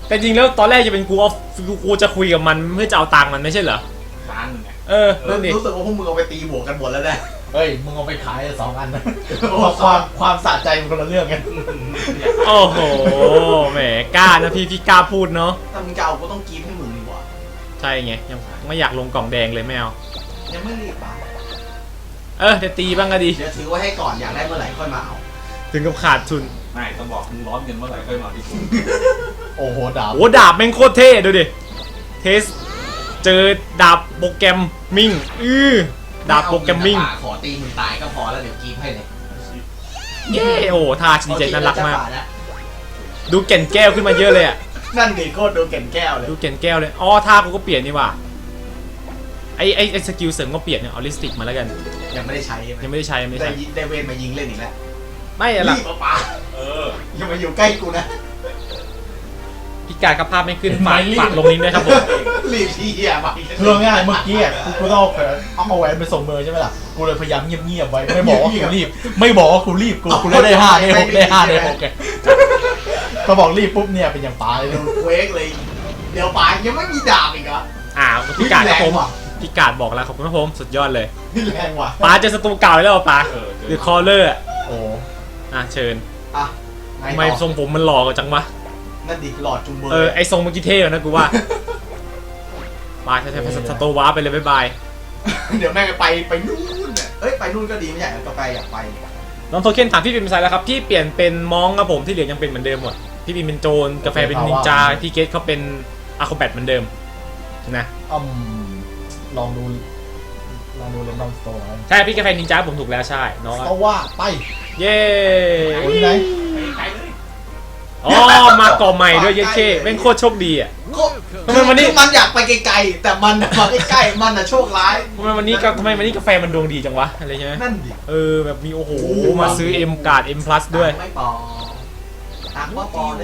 แต่จริงแล้วตอนแรกจะเป็นกูจะคุยกับมันเพื่อจะเอาตังค์มันไม่ใช่เหรอล้านหนึ่งไงนั่นดิรู้สึกว่าพวกมึงเอาไปตีบวกกันหมดแล้วแหละเฮ้ยมึงเอาไปขาย2 อันนะความสะใจมันคนละเรื่องกันโอ้โหแหมกล้านะพี่กล้าพูดเนาะถ้ามึงจะเอากูต้องกรีบให้มึงดีกว่าใช่ไงยังไม่อยากลงกล่องแดงเลยไม่เอายังไม่รีบป่ะจะตีบ้างก็ดีเดี๋ยวถือไว้ให้ก่อนอยากได้เมื่อไหร่ค่อยมาเอาถึงกับขาดทุนไม่ต้องบอกมึงร้อนเงินเมื่อไหร่ค่อยมาที่กูโอ้โหดาบโอ้ดาบแม่งโคตรเท่ดูดิเทสเจอดาบโปรแกรมมิ่งดาบโปรแกรมมิ่งขอตีมึงตายก็พอแล้วเดี๋ยวกรีบให้เลยเย้โอ้ท่าดีใจน่ารักมากดูแก่นแก้วขึ้นมาเยอะเลยอ่ะนั่นดิโคตรดูแก่นแก้วเลยดูแก่นแก้วเลยท่ากูก็เปลี่ยนนี่ว่ะไอสกิลเสริมก็เปลี่ยนเนี่ยเอาลิสติกมาแล้วกันยังไม่ได้ใช้ใช่ไหมยังไม่ได้ใช้ยังไม่ได้ใช้ได้เวนมายิงเล่นอีกแล้วไม่อะล่ะรีบป่ะอย่ามาอยู่ใกล้กูนะพิการกระภาพไม่ขึ้นฝากลงนี้ด้วยครับผมรีบที่เหี้ยไปคือง่ายเมื่อกี้อ่ะกูต้องเอาแหวนไปส่งเมอใช่ไหมล่ะกูเลยพยายามเงียบๆไว้ไม่บอกว่ากูรีบไม่บอกว่ากูรีบกูได้5ได้6ได้5ได้6ไงก็บอกรีบปุ๊บเนี่ยเป็นอย่างปลาเลยเวกเลย เดี๋ยวป่ายังไม่มีดาบอีกเหรอพิการครับผมแรงว่ะพิการบอกแล้วขอบคุณครับผมสุดยอดเลยนี่แรงว่ะป้าเจอศัตรูเก่าแล้วเหรอป้าหรือคอลเลอร์โอ้เชิญอ่ะไงทำไมต่อทรงผมมันหล่อกว่าจังวะนั่นดิหลอดจุงเบอร์ไอทรงเมื่อกี้เท่อะนะกูว่าป้าใช้ศัตรูว้าไปเลยบ๊ายบายเดี๋ยวแม่งไปนู่นน่ะเอ้ยไปนู่นก็ดีไม่ใช่เหรอกาแฟอยากไปน้องโทเค็นถามพี่ปิ่นเป็นไซแล้วครับพี่เปลี่ยนเป็นมองครับผมที่เหลือยังเป็นเหมือนเดิมหมดพี่ปิ่นเป็นโจรกาแฟเป็นนินจาพี่เกตเขาเป็นอะครแบทเหมือนเดิมนะลองดูเรนดอมสโตร์ใช่พี่กาแฟนินจาผมถูกแล้วใช่น้องก็ว่าไปเย้โอ้ยไหนไปเลยมาก่อใหม่ด้วยเย้เช่เป็นโคตรโชคดีอ่ะก็ทำไมวันนี้คือมันอยากไปไกลๆแต่มันมาใกล้ๆมันน่ะโชคร้ายทำไมวันนี้กาแฟมันดวงดีจังวะอะไรใช่ไหมนั่นดิแบบมีโอ้โหมาซื้อ M การ์ด M plus ด้วยไม่ปอตังค์ว่าปอเด้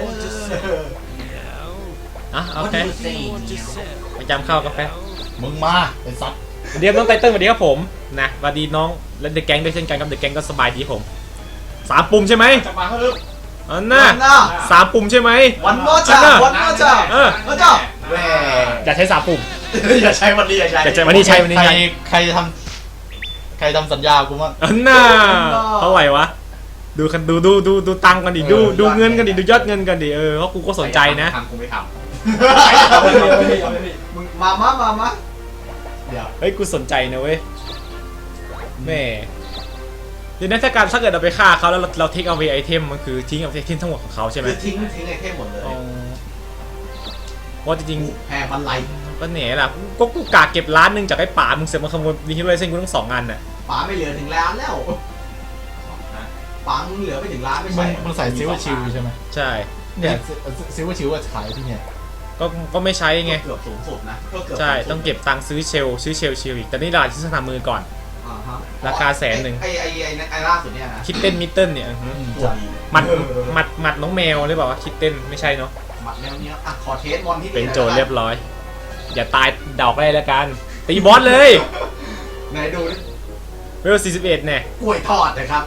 อโอเคประจำเข้ากาแฟมึงมาไอ้สัตว์เดี๋ยวน้องไตเติ้ลสวัสดีครับผมนะสวัสดีน้องและเดอะแก๊งด้วยเช่นกันครับเดอะแก๊งก็สบายดีผม3 ปุ่มใช่ไหมจะมาเพิ่มอันน่ะ3 ปุ่มใช่ไหมวันโมจ่าวันโมจ่าโมจ่าแหวอย่าใช้3 ปุ่มอย่าใช้วันนี้อย่าใช้อย่าใช้วันนี้ใช้วันนี้ใช้ใครทำสัญญากูมั้งอันน่ะเท่าไหร่วะดูตังค์กันดิดูเงินกันดิดูยอดเงินกันดิเพราะกูก็สนใจนะทำกูไม่ทมึงมาเดี๋ยวเฮ้ยกูสนใจนะเว้ยแม่เดี๋ยวนั้นถ้าเกิดเราไปฆ่าเขาแล้วเราเทคเอาไอเทมมันคือทิ้งเอาไอเทมทั้งหมดของเขาใช่ไหมคือทิ้งไอเทมหมดเลยว่าจริงแพงมันไหลๆก็เหน่ล่ะก็กูกะเก็บล้านหนึงจากไอ้ป่ามึงเสือกมาขโมยมีฮิโร่ไอเซนกูทั้ง2 อันน่ะป๋าไม่เหลือถึงล้านแล้วป๋ามึงเหลือไม่ถึงล้านไม่มึใช่งใส่ซิลเวอร์ชิลใช่ไหมใช่เนี่ยซิลเวอร์ชิลว่าขายที่เนี่ยก็ไม่ใช้ไงเกือบสูงสุดนะก็เกือบใช่ต้องเก็บตังค์ซื้อเชลอีกแต่นี่ราคาที่สนามมือก่อน ราคา100,000 ไอ้ล่าสุดเนี่ยนะคิดเต้นมิตเติ้ลเนี่ยหมัดน้องแมวหรือเปล่าวะคิดเต้นไม่ใช่เนาะหมัดแนวเนี้ยอ่ะขอเทสบอลที่เป็นโจรเรียบร้อย อย่าตายดอกได้แล้วกันตีบอสเลยไหนดูเวล41เนี่ยกล้วยทอดนะครับ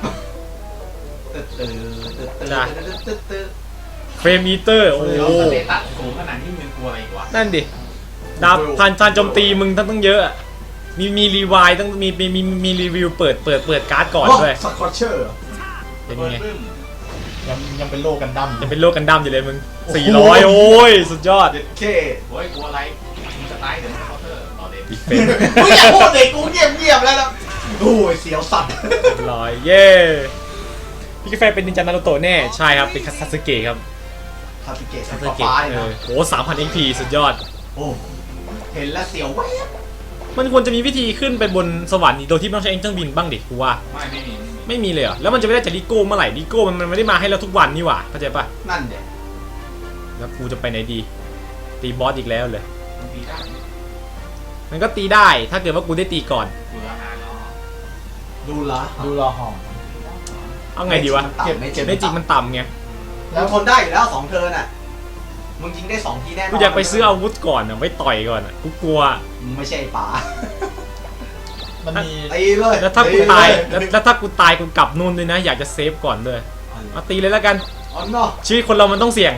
เฟรมอีเตอร์โอ้ำโหสเตตัสสูงขนาดนี้มึงกลัวอะไรอีกวะนั่นดิดาวพันโจมตีมึงต้องเยอะอะมีรีวายต้องมีรีวิวเปิดการ์ดก่อนด้วยสกอตเชอร์เป็นเปิดไงปึ้มยังเป็นโลกันดั้มจะเป็นโลกกันดั้มอยู่เลยมึง400โอ้ยสุดยอดเด็ดเคโอ้ยกลัวอะไรมึงจะตายเดี๋ยวมึงเคาน์เตอร์ต่อเด็ดอีกเป็นกูอยากพูดเด็กกูเงียบแล้วนะโอ้ยเสียวสัตว์เรียบร้อยเย้พี่กาแฟเป็นนินจานารูโตะแน่ใช่ครับเป็นคาซาสึเกะครับคาสึเกะคาสัซาสึฟ้าเกะเลยนะโอ้3,000 XP สุดยอดโอ้เห็นแล้วเสียวแว๊บมันควรจะมีวิธีขึ้นไปบนสวรรค์โดยที่ไม่ต้องใช้เครื่องบินบ้างดิกูว่าไม่มีไม่มีเลยเหรอแล้วมันจะไม่ได้จากลิโก้เมื่อไหร่ลิโก้มันไม่ได้มาให้เราทุกวันนี่หว่าเข้าใจปะนั่นเด็กแล้วกูจะไปไหนดีตีบอสอีกแล้วเลยมึงตีได้มันก็ตีได้ถ้าเกิดว่ากูได้ตีก่อนเบื่ออาหารเนาะดูละดูรอหอมเอาไงดีวะเก็บไม่เจ็บได้จริงมันต่ำไงมึงทนได้อยู่แล้ว2 เทิร์นอ่ะมึงยิงได้2 ทีแน่นอนกูอยากไปซื้ออาวุธก่อนอะไว้ต่อยก่อนอะกูกลัวมึงไม่ใช่ป๋ามันมีตีเลยแล้วถ้ากูตายแล้วถ้ากูตายกูกลับนู่นด้วยนะอยากจะเซฟก่อนด้วยเอาตีเลยแล้วกันอ๋อเนาะชีวิตคนเรามันต้องเสี่ยง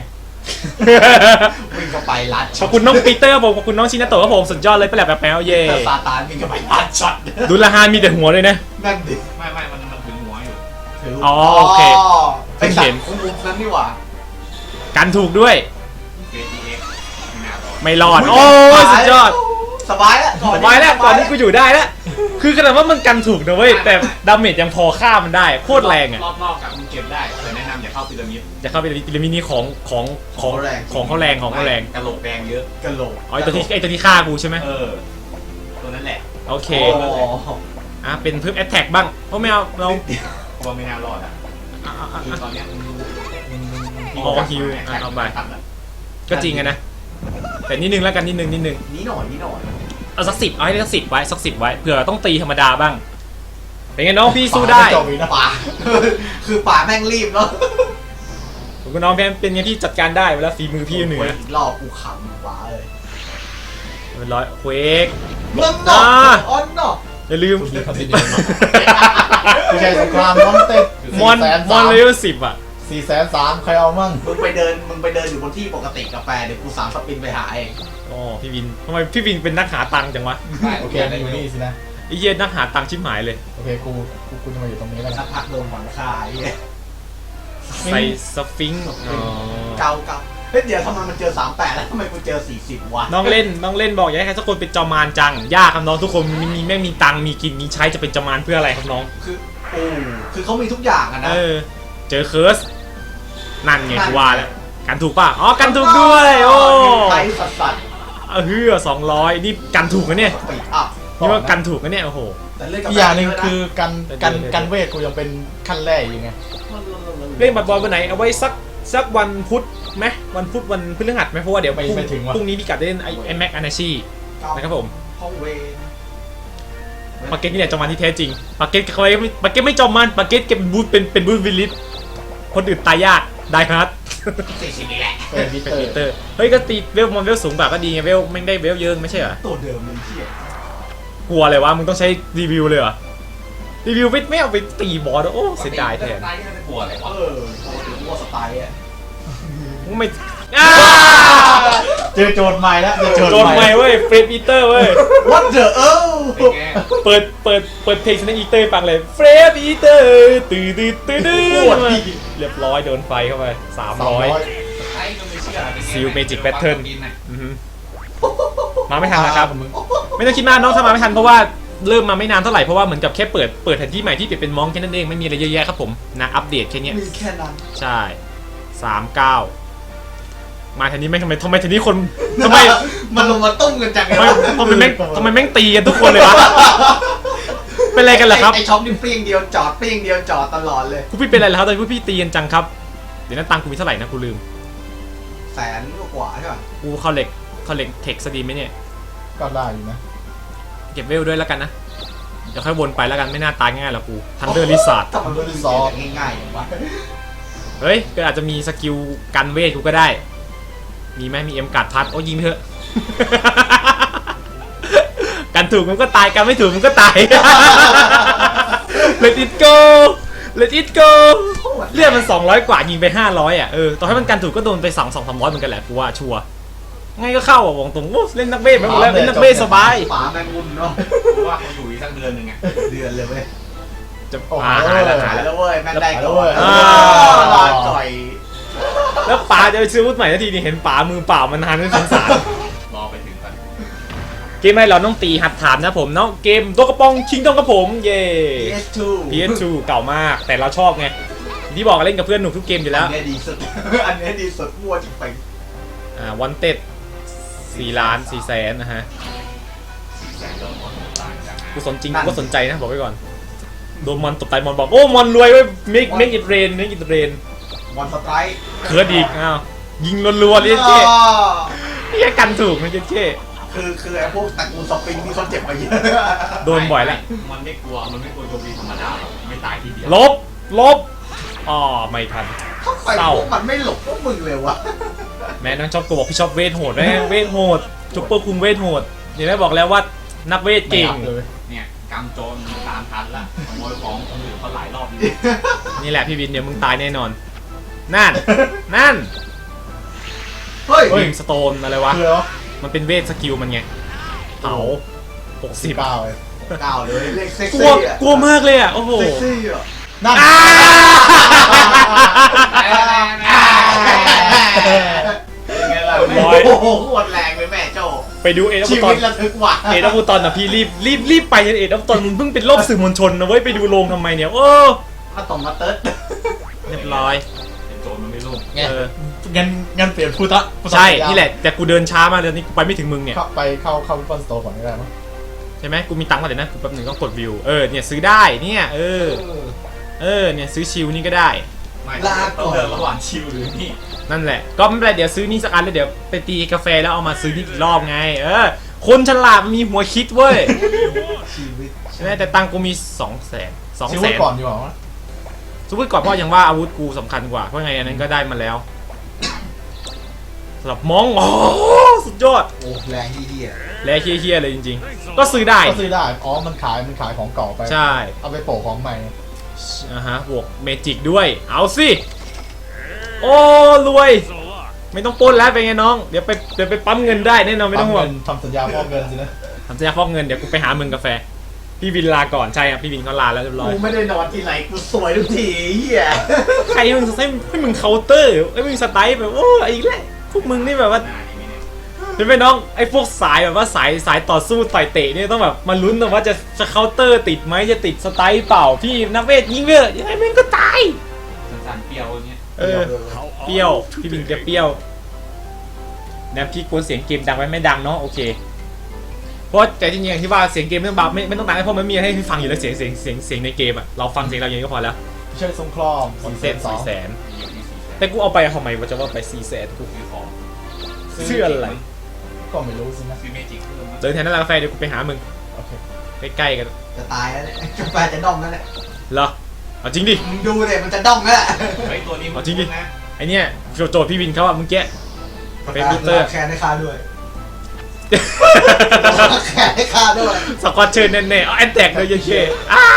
วิ่งเข้าไปลัดขอบคุณน้องปีเตอร์ผมขอบคุณน้องชินาโตะครับผมสุดยอดเลยไปแหลบแบบแมวเย่แต่ซาตานวิ่งเข้าไปลัดช็อตดูละฮานมีแต่หัวเลยนะนั่นดิไม่มันถึงหัวอยู่ถืออ๋อโอเคไอ้สัตว์คุ้มนั้นนี่หว่ากันถูกด้วยเกทีเอ็กไม่น่ารอดไม่รอด โอ้ยสุดยอดสบายแล้วสบายแล้วก่อนนี้กูอยู่ได้แล้วคือขนาดว่ามันกันถูกนะเว้ยแต่ดาเมจยังพอฆ่ามันได้โคตรแรงอ่ะรอบนอกกับมึงเก็บได้แต่แนะนำอย่าเข้าพีระมิดจะเข้าไปในพีระมิดนี้ของเขาแรงของเขาแรงกระโหลกแดงเยอะกะโหลกอ๋อไอตัวที่ฆ่ากูใช่ไหมตัวนั้นแหละโอเคโอ้เป็นเพิ่มแอตแทกบ้างเพราะไม่เอาเราเพราะว่าไม่น่ารอดอ่ะคือตอนเนี้ยมึงอ๋อฮิวเอาไปก็จริงอะนะแต่นิดนึงแล้วกันนิดนึงนี่หน่อยเอาสัก10เอาให้ได้สัก10ไว้สัก10ไว้เผื่อต้องตีธรรมดาบ้างเป็นไงน้องพี่สู้ได้จบอีกนะป่าคือป่าแม่งรีบเนาะคุณน้องเป็นไงพี่จัดการได้เวลาฝีมือพี่เหนืออีกรอบกูขำป่าเลยเป็นร้อยเควกนั่นเนาะออนเนาะอย่าลืมไม่ใช่สงครามน้องเต้นมอนเลเวล10อ่ะ 430,000ใครเอามั่งมึงไปเดินอยู่บนที่ปกติกาแฟเดี๋ยวกู3 สปินไปหาเองอ๋อพี่วินทำไมพี่วินเป็นนักหาตังค์จังวะโอเคอยู่นี่สินะไอ้เหี้ยนักหาตังค์ชิบหายเลยโอเคกูจะมาอยู่ตรงนี้แล้วสันะกพักโดนหวังคายใส่สฟิงค์อ๋อเกาเฮ้ยเดี๋ยวทำไมมันเจอ38แล้วทำไมกูเจอ40วะน้องเล่นบอกอยากให้ใครสักคนเป็นจอมานจังยากครับน้องทุกคนมีแม่งมีตังค์มีกินมีใช้จะเป็นจอมานเพื่ออะไรครับน้องคือเขามีทุกอย่างอะนะเจอเคิร์สนั่นไงกูว่าแล้วกันถูกป่ะอ๋อกันถูกด้วยโอ้ไทยสัสเฮือ200นี่กันถูกนะเนี่ยๆปีอัพนี่ว่ากันถูกนะเนี่ยโอ้โหแต่เล่นกับอีกอย่างหนึ่งคือกันเวทกูยังเป็นขั้นแรกอยู่ไงเล่นบัตรบอลวันไหนเอาไว้สักวันพุธไหมวันพุธวันพฤหัสไหมเพราะว่าเดี๋ยวไม่ถึงว่ะพรุ่งนี้พี่กัดได้เล่นไอแม็กอนาชีนะครับผมห้องเวรปาเก็ตนี่แหละจอมานที่แท้จริงปาเก็ตเขาปาเก็ตไม่จอมานปาเก็ตเก็บเป็นบูธวิลลิสคนอื่นตายยากได้ฮาร์ด 40นี่แหละเป็นวิเป็นเตอปีเตอร์ร์เฮ้ยก็ตีเวลมันเวลสูงกว่าก็ดีไงเวลไม่ได้เวลเยอะไม่ใช่เหรอตัวเดิมเลยเชี่ยกลัวเลยวะมึงต้องใช้รีวิวเลยเหรอรีวิวไม่เอาไปตีบอสโอ้เสียดายแทนตายที่ไม่กลัวอะไรวะวัวสไตล์อะมึงไม่เจอโจทย์ใหม่แล้วเจอโจโจนทย์ใหใหม่ม่เว้ยเฟรดอีเตอร์เว้ย What the เป็นไงเปิดเพลงชนะอีเตอร์ฟังเลยเฟรดอีเตอร์ตื้อเรียบร้อยโดนไฟเข้าไป300 ไอ้ก็ไม่เชื่อ Seal Magic Pattern อือฮึมาไม่ทันนะครับไม่ต้องคิดมากน้องถ้ามาไม่ทันเพราะว่าเริ่มมาไม่นานเท่าไหร่เพราะว่าเหมือนกับแค่เปิดแผนที่ใหม่ที่เปลี่ยนเป็นมองแค่นั้นเองไม่มีอะไรเยอะแยะครับผมนะอัปเดตแค่เนี้ยมีแค่นั้นใช่39มาทีนี้ไม่ทำไมทีนี้คนทำไมมันลงมาตุ้มกันจังเลยทำไมแม่งตีกันทุกคนเลยวะเป็นอะไรกันล่ะครับไอช็อปนี่เปรี้ยงเดียวจอดเปรี้ยงเดียวจอดตลอดเลยพวกพี่เป็นอะไรแล้วครับตอนนี้พวกพี่ตีกันจังครับเดี๋ยวนั้นตังค์กูมีเท่าไหร่นะกูลืม 100,000 กว่าใช่ป่ะกูเข้าเหล็กเทคสดีไหมเนี่ยก็ได้อยู่นะเก็บเวลด้วยแล้วกันนะเดี๋ยวค่อยวนไปแล้วกันไม่น่าตายง่ายหรอกกูทันเดอร์ลิซาร์ดทำมันรู้สึกง่ายๆอย่างวะเฮ้ยก็อาจจะมีสกิลกันเวทกูก็ได้มีไหมมีเอ็มการ์ดพัดโอ้ยิงเถอะ กันถูกมันก็ตายกันไม่ถูกมันก็ตาย Let it go Let it go เลือดมัน200กว่ายิงไป500อ่ะต่อให้มันกันถูกก็โดนไป200-300เหมือนกันแหละกูว่าชัวร์ไงก็เข้าอ่ะวงตรงโอ้เล่นนักเวทไปหมดแล้วเล่นนักเวทสบายป๋าแมงมุมเนาะว่าเขาอยู่อีกสักเดือนหนึ่งไงเดือนเลยเว้ยจะโอ้โหหายแล้วหายแล้วเว้ยแม่งได้ก่อนอ่าลาจ่อยแล้วป๋าจะไปซื้ออาวุธใหม่ทันทีนี่เห็นป๋ามือเปล่ามานานไม่สงสารรอไปถึงกันเกมให้เราต้องตีหัดถามนะผมเนาะเกมตัวกระป๋องชิงต้องกับผมเย่ PS2 PS2 เก่ามากแต่เราชอบไงที่บอกเล่นกับเพื่อนหนุกทุกเกมอยู่แล้วอันนี้ดีสุด อันนี้ดีสุดมั่วจริงไปวันเต็ด4,400,000นะฮะแสงโดนมอนต่างจากกูสนจริงกูก็สนใจนะบอกไว้ก่อนโดนมอนตบตายมอนบอกโอ้มอนรวยเว้ย make it rain วันสไตร์เคิร์ดอีกอ้าวยิงรัวๆเลยเจ๊นี่แค่กันถูกนะเจ๊คือไอ้พวกตระกูลสปริงที่เขาเจ็บมาเยอะโดนบ่อยแล้วมันไม่กลัวโจมตีธรรมดาหรอกไม่ตายทีเดียวลบอ๋อไม่ทันทำไมพวกมันไม่หลบพวกมึงเลยวะแม่น้องชอบกูบอกพี่ชอบเวทโหดแม่เวทโหดจุปเปอร์คุงเวทโหดเดี๋ยวได้บอกแล้วว่านักเวทเก่งไม่รับเลยเนี่ยกำโจรตามทันละขโมยของคนอื่นเขาหลายรอบนี่นี่แหละพี่วินเดี๋ยวมึงตายแน่นอนนั่นเฮ้ยบิมสโตนอะไรวะคือแล้วมันเป็นเวทสกิลมันไงเผา60 9เลยก้าวเลยเลขเซ็กกลัวซี่อ่ะกลัวมากเลยอ่ะโอ้โหเซ็กซี่อ่ะนั่นยังไงล่ะร้อยโอ้โหโคตรแรงเลยแม่โจไปดูเอ็ดชีตอวินตระทึกว่ะเอ็ดตอนอ่ะพี่รีบไปเอ็ดตอนมึงเพิ่งเป็นรอบสื่อมวลชนนะเว้ยไปดูโรงทำไมเนี่ยโอ้มาตรงมาเติร์ดเรียบร้อยเป็นโจรมันไม่รุ่งไงเอองั้นเปลี่ยนพุทธใช่นี่แหละแต่กูเดินช้ามากเลยนี่กูไปไม่ถึงมึงเนี่ยเข้าวิปปอนสโตร์ก่อนก็ได้มั้งใช่ไหมกูมีตังค์มาเดี๋ยวนะกูแป๊บหนึงต้องกดวิวเนี่ยซื้อได้เนี่ยเนี่ยซื้อชิลนี่ก็ได้ไม่ต้องเลือกระหว่างชิลหรือนี่นั่นแหละก็ไม่เป็นไรเดี๋ยวซื้อนี่สักอันแล้วเดี๋ยวไปตีกาแฟแล้วเอามาซื้อนี่อีกรอบไงคนฉลาดมันมีหัวคิดเว้ยชีวิตใช่ไหมแต่ตังค์กูมี200,000 ชิวไว้ก่อนดีกว่ามั้งซื้อไว้ก่อนเพราะยังว่าอาวุธกูสำคัญกว่าเพราะไงอันนั้นก็ได้มาแล้วสำหรับมองสุดยอดโอ้แรงที่เดียและเฮี้ยๆเลยจริงๆ ก็ซื้อได้ก็ซื้อได้อ๋อมันขายของเก่าไปใช่เอาไปโปะของใหม่บวกเมจิกด้วยเอาสิโอ้รวยไม่ต้องปล้นแล้วเป็นไงน้องเดี๋ยวไปปั๊มเงินได้แน่นอนไม่ต้องห่วงทำสัญญาฟอกเงินสินะทำสัญญาฟอกเงินเดี๋ยวกูไปหามึงกาแฟพี่วินลาก่อนใช่ครับพี่วินเขาลาแล้วเรียบร้อยกูไม่ได้นอนที่ไหนกูสวยทุกทีเฮียใครให้มึงเคาน์เตอร์ไอ้มึงสไตล์แบบโอ้อีกแล้วพวกมึงนี่แบบว่าหน้านี่ไม่เนี่ยเห็นไหมน้องไอ้พวกสายแบบว่าสายต่อสู้ต่อยเตะเนี่ยต้องแบบมาลุ้นนะว่าจะเคาน์เตอร์ติดไหมจะติดสไตล์เปล่าพี่นักเวทยิงเวทยังไงมึงก็ตายสั้นๆเปรี้ยวอย่างเงี้ยเปรี้ยวพี่วินแกเปรี้ยวนะพี่กลัวเสียงเกมดังไว้ไม่ดังเนาะโอเคเพราะแต่จริงๆอย่างที่ว่าเสียงเกมไม่ต้องเบาไม่ต้องดังเพราะมันมีให้ฟังอยู่แล้วเสียงในเกมอ่ะเราฟังเสียงเราอย่างนี้ก็พอแล้วเชิญทรงครอม 400,000 มีอยู่ที่400,000 แต่กูเอาไปทำไมว่าจะว่าไป400,000กูซื้อของซื้ออะไรก็ไม่รู้สินะซื้อเมจิกเพิ่มมั้งเดินแทนร้านกาแฟเดี๋ยวกูไปหามึงโอเคใกล้ๆกันจะตายแล้วเนี่ยกาแฟจะด้อมแล้วเนี่ยเหรอเอาจริงดิมึงดูเลยมันจะด้อมแล้วเฮ้ยตัวนี้มันเอาจริงดินะไอเนี้ยโจทย์พี่วินเขาอะเมึงแกะ เป็นมิเตอร์แคนให้ค่าด้วยแคนให้ค่าด้วยสกอตเชิญแน่ๆเอาแอนแตกเลยเยอะๆอ้า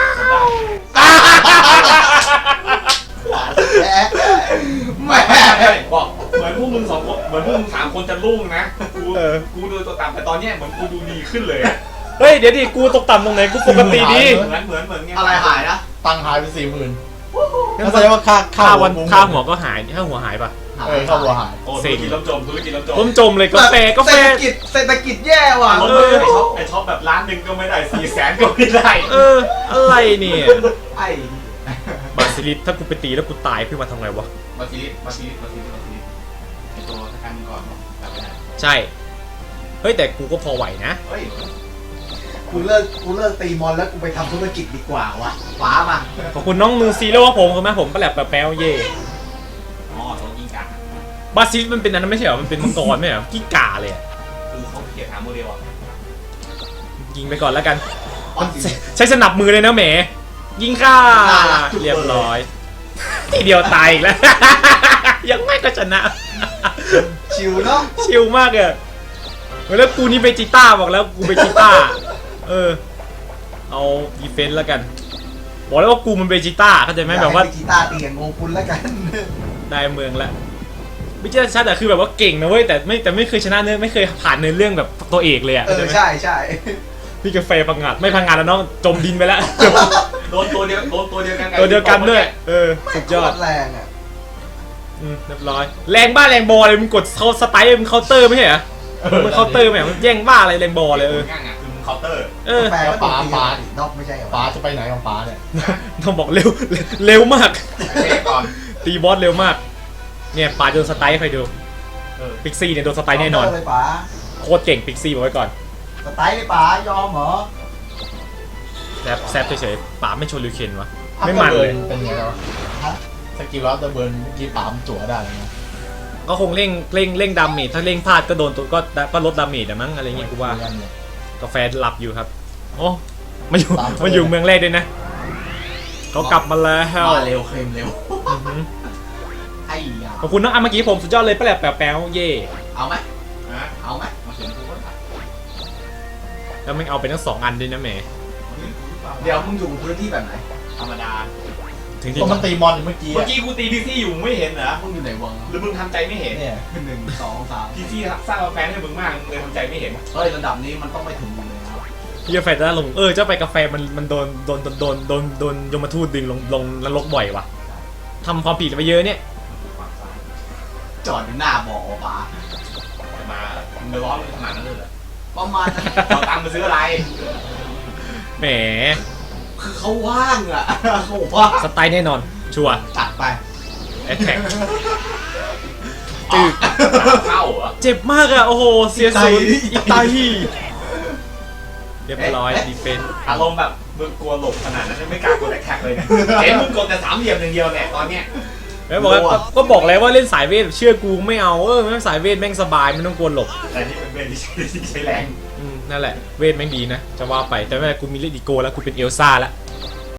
แม่บอกเหมือนพวกมึงสองคนเหมือนพวกมึง3 คนจะรุ่งนะกูดูตัวต่ำแต่ตอนเนี้ยเหมือนกูดูดีขึ้นเลยอะเฮ้ยเดี๋ยวดิกูตกต่ำตรงไหนกูปกติดีเหมือนไงอะไรหายนะตังค์หายไป40,000นั่นแสดงว่าค่าค่าหัวก็หายค่าหัวหายปะค่าหัวหายโอ้ธุรกิจล้มจมธุรกิจล้มจมล้มจมเลยกาแฟเศรษฐกิจแย่ว่ะล้มเลยไอช็อปแบบล้านหนึ่งก็ไม่ได้400,000ก็ไม่ได้อะไรเนี่ยไอ้บาซิลิสถ้ากูไปตีแล้วกูตายขึ้นมาทำไงวะมาซิลิไอตัวสกังก่อนกลับไปไหนใช่เฮ้ยแต่กูก็พอไหวนะเฮ้ยกูเลิกตีมอนแล้วกูไปทำธุรกิจดีกว่าวะฟ้ามาขอบคุณน้องมือซีโร่ว่าผมครับผมก็แหลบแป๊วเย่อ๋อตัวยิงกันบาซิลิสมันเป็นอันนั้นไม่ใช่เหรอมันเป็นมังกรไม่ใช่เหรอกิ้งก่าเลยอะคือเขาเขียนหาโมเดลอ่ะยิงไปก่อนแล้วกันใช้สนับมือเลยนะแหมยิงค่าเรียบร้อยทีเดียวตายอีกแล้ว ยังไม่ก็ชนะชิวเนาะชิลมากเลยแล้วกูนี่เบจิต้าบอกแล้วกูเบจิต้าเอาดีเฟนส์แล้วกันบอกแล้วว่ากูมันเบจิต้าเข้าใจไหมแบบว่ากีตาร์ตีอย่างงงคุณแล้วกันได้เมืองแล้วไม่ใช่ชัดแต่คือแบบว่าเก่งนะเว้ยแต่ไม่เคยชนะเนื้อไม่เคยผ่านเนื้อเรื่องแบบตัวเอกเลยอ่ะเข้าใจไหมใช่พี่กาแฟพังงาดไม่พังงาดแล้วน้องจมดินไปแล้วโดนตัวเดียวกันตัวเดียวกันด้วยสุดยอดแรงอ่ะเรียบร้อยแรงบ้าแรงบอเลยมึงกดเขาสไตล์มึงเคาน์เตอร์ไม่ใช่เหรอมึงเคาน์เตอร์ไหมมันแย่งบ้าอะไรแรงบอเลยง่ายอ่ะคือมึงเคาน์เตอร์แปลว่าปลานอกไม่ใช่เหรอป้าจะไปไหนของป้าเนี่ยต้องบอกเร็วมากเช็คก่อนตีบอสเร็วมากเนี่ยป่าโดนสไตล์ใครดูพิกซี่เนี่ยโดนสไตล์แน่นอนเลยป๋าโคตรเก่งพิกซี่บอกไว้ก่อนสไตล์เลยป๋ายอมเหรอแซบเฉยๆป่าไม่ชนลิวเคนวะไม่มันเลยเป็นไงแล้วสกิลลับเตอร์เบิร์นเมื่อกี้ป๋ามจั่วได้เลยนะก็คงเร่งดาเมจถ้าเร่งพลาดก็โดนตัวก็ลดดาเมจอะมั้งอะไรเงี้ยกูว่ากาแฟหลับอยู่ครับโอ้มาอยู่เมืองแรกด้วยนะเขากลับมาแล้วมาเร็วเคลมเร็วไอ้ยาขอบคุณน้องอาเมื่อกี้ผมสุดยอดเลยแป๊วเย่เอาไหมนะเอาไหมมาเขียนกูก็ได้แล้วมันเอาไปทั้ง2 อันด้วยนะแหมเดี๋ยวมึงอยู่พื้นที่แบบไหนธรรมดาถถึงที่ก็มันตีมอนเมื่อกี้เมื่อกี้กูตีพีซี่อยู่มึงไม่เห็นเหรอมึงอยู่ไหนวะหรือมึงทำใจไม่เห็นเนี่ย 1 2 3 พีซี่สร้างแฟนให้มึงมากมึงเลยทำใจไม่เห็นเฮ้ยระดับนี้มันต้องไม่ถึงเลยนะพี่กาแฟจะลงเจ้าไปกาแฟมันโดนยมทูตดึงลงนรกบ่อยว่ะทำความผิดไปเยอะเนี่ยจอดอยู่หน้าบ่อป๋ามามึงไปร้อนมึงขนาดนั้นเลยเหรอประมาณนั้นเอาตังค์มาซื้ออะไรแหมคือเขาว่างอ่ะเขาว่างสไตล์แน่นอนชัวร์ตัดไปแอคแท็กจืดเข้าเหรอเจ็บมากอะโอ้โหเสียศูนย์อีไตเรียบร้อยดีเฟนอารมณ์แบบมึงกลัวหลบขนาดนั้นไม่กล้ากดแท็กเลยเนี่ยเห็นมึงกดแต่3 เหลี่ยมอย่างเดียวเนี่ยตอนเนี้ยแล้วบอกว่าก็บอกแล้วว่าเล่นสายเวทเชื่อกูไม่เอาไม่สายเวทแม่งสบายไม่ต้องกลัวหลบแต่นี่เป็นเวทที่ใช้แรงนั่นแหละเวทแม่งดีนะจะว่าไปแต่ไม่เป็นไรกูมีเลดิโกแล้วกูเป็นเอลซ่าแล้ว